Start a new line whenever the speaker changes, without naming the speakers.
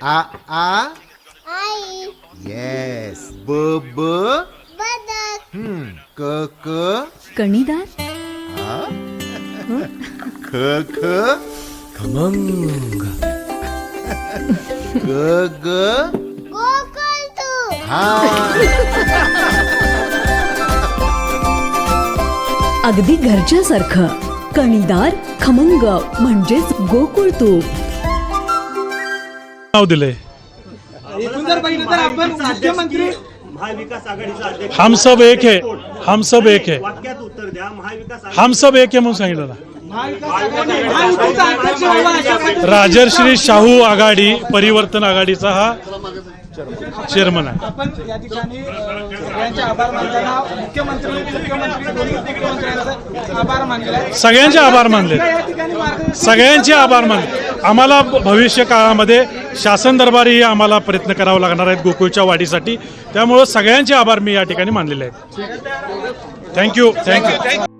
आ आ
आई.
Yes. ब ब
बदक.
क क
कणीदार.
ख ख
खमंग.
ग ग
गोकुळ.
हा.
अगदी घरच्यासारखं. कणीदार खमंग म्हणजेच गोकुळ तूप.
नाव दिलंय.
एकूण जर बघितलं तर आपण मुख्यमंत्री
महाविकास आघाडीचा अध्यक्ष
हम सब एक है, हम सब एक है,
वाक्यात उत्तर द्या. महाविकास
हम सब एक है म्हणून सांगितलं ना.
महायुतीचा अध्यक्ष व्हावा अशा पद्धतीने
राजर्षी शाहू आघाडी परिवर्तन आघाडीचा हा चेअरमन आहे.
आपण या ठिकाणी सगळ्यांचे आभार मानताना मुख्यमंत्री दोन्ही मुख्यमंत्र्यांचे आभार मानले आहेत.
सगळ्यांचे आभार मानले,
या ठिकाणी मार्गदर्शन
सगळ्यांचे आभार मानले. आम्हाला भविष्य काळामध्ये शासन दरबारी आम्हाला प्रयत्न करावा लागणार आहेत गोकुळच्या वाढीसाठी. त्यामुळं सगळ्यांचे आभार मी या ठिकाणी मानलेले आहेत. थँक्यू.